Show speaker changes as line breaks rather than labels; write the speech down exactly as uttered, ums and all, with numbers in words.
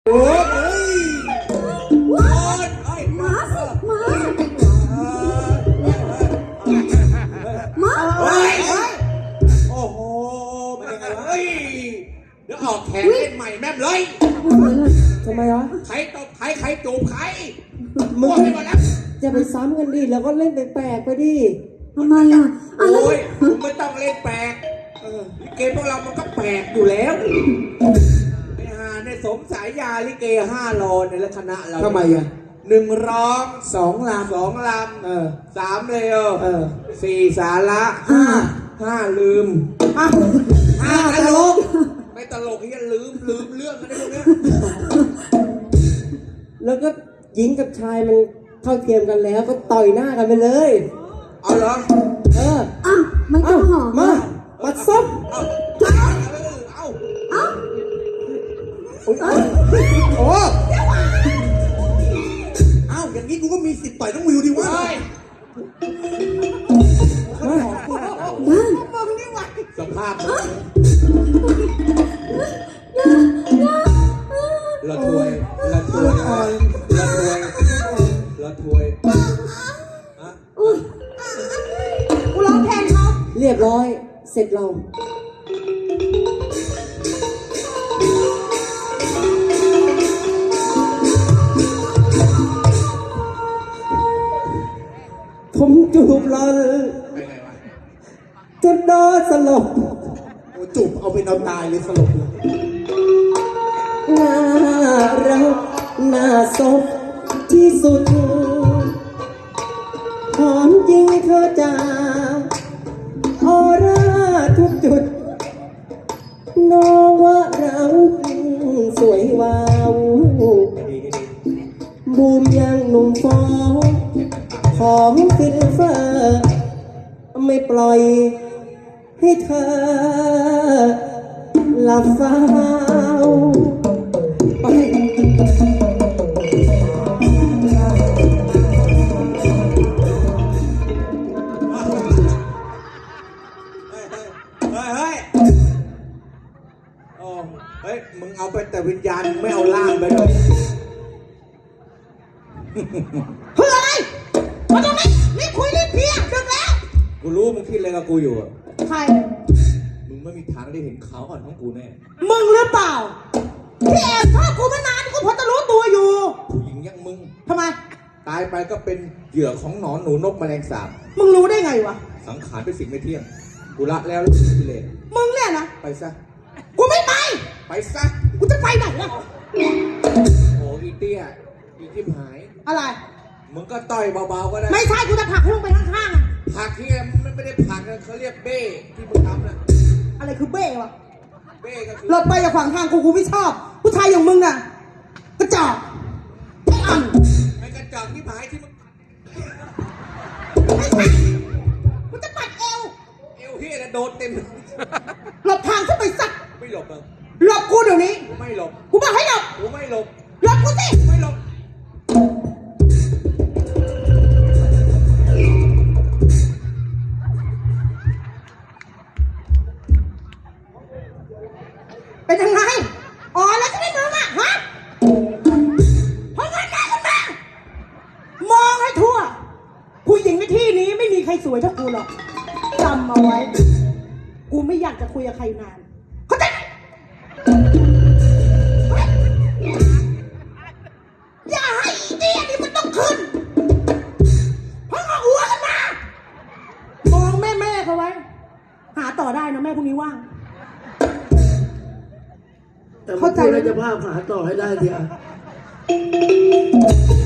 โอ้ยว้ายมาสิมามาเฮ้ยโอ้โหมันยังไงวะเฮ้ยเดี๋ยวออกแขนเล่นใหม่แม่เลย
ทำไมวะ
ใครตบใครใครจูบใคร
มึงจะไปซ้ำกันดิแล้วก็เล่นแปลกๆไปดิ
ทำไมอ่ะโอ้ยมึงไม่ต้องเล่นแปลกลิเกพวกเรามันก็แปลกอยู่แล้วไอ้ห่าในสมสายยาลิเกห้าโลในละคณะเรา
ทำไมอ่ะ
หนึ่งร้อง
สองลำ
สองลำ
เออ
สามเร็ว
เออ
สี่สาระห้าห้าลืม
ห้าห้าตลก
ไม่ตลกที่จะลืมลืมเรื่องอะไรพวกนี้
แล้วก็หญิงกับชายมันเท่าเทียมกันแล้วก็ต่อยหน้ากันไปเลย
เอาเหรอ
เออ
อ่ะ
ไม่ต้องหอมมามาซับ
เอาเอาเอาโอ้เอาอย่างนี้กูก็มีสิทธิ์ต่อยต้องวิวดิวะมามาสภาพละถวยละถวยละถวยละถวยฮะ
กูร้องเพลงเขาเรียบร้อยเสร็จเราผมจูบหล่อนจนนอนสลบ
โอ้จูบเอาเป็นเอาตายเลยสลบเลย
น่ารักน่าศพที่สุดหอมจริงเธอจ๋าออร่าทุกจุดน้องว่าเราสวยวาวบูมยังหนุ่มฟองของฟิลเฟอร์ไม่ปล่อยให้เธอหลับเฝ้าไป
เฮ้ยมึงเอาไปแต่วิญญาณไม่เอาล่างไปเลย
เฮ้ยอะไรมาตรงนี้รีบคุยรีบเพียงดึกแล้ว
กูรู้มึงคิดอะไรกับกูอยู่อ่ะ
ใคร
มึงไม่มีทางได้เห็นเขาอ่อนของกูแน่
มึงหรือเปล่าที่แอบชอบกูมานานกูพอจะรู้ตัวอยู่
ผู้หญิงอย่างมึง
ทำไม
ตายไปก็เป็นเหยื่อของหนอนหนูนกแมลงสาบ
มึงรู้ได้ไงวะ
สังขารเป็นสิ่งไม่เที่ยงกูละแล้วกิเลส
มึงเนี่ยนะ
ไปซะ
กูไม่ไป
ไปซะ
กูจะไปไหนล่ะ
โอ้อีเตี้ยอีทิพหาย
อะไร
มึงก็ต่อยเบาๆก็ได้
ไม่ใช่กูจะผลักให้ลงไปข้างๆอ่ะ
ผลักที่มันไม่ได้ผลักนะเขาเรียกเบ้ที่มึงทำน่ะ
อะไรคือเบ้วะ
เบ้ก็คือ
รถไปอย่าขวางทางกูกูไม่ชอบผู้ชายอย่างมึงน่ะกระจอกไอ้อ่อน
ไอ้กระจอกที่หายที่มึง
ไม่ใช่กูจะปัดเอว
เอวเฮียนะโดนเต็ม
หลบทางฉันไปสัก
ไม่หลบเลย
หลบกูเดี๋ยวนี้
กูไม่หลบ
กูบอกให้หลบ
กูไม่หลบ
หลบกูสิ
ไม่หลบ
เป็นยังไงอ๋อแล้วจะได้มึงอ่ะฮะพอเงินได้ขึ้นมามองให้ทั่วผู้หญิงในที่นี้ไม่มีใครสวยเท่ากูหรอกจำเอาไว้กูไม่อยากจะคุยกับใครนานเข้าใจไหมอย่าให้อีเดียนี่มันต้องขึ้นเพราะเอาหัวกันมามองแม่แม่เขาไว้หาต่อได้นะแม่พรุ่งนี้ว่าง
แต่เข้าใจแล้วจะพาหาต่อให้ได้ทีอ่ะ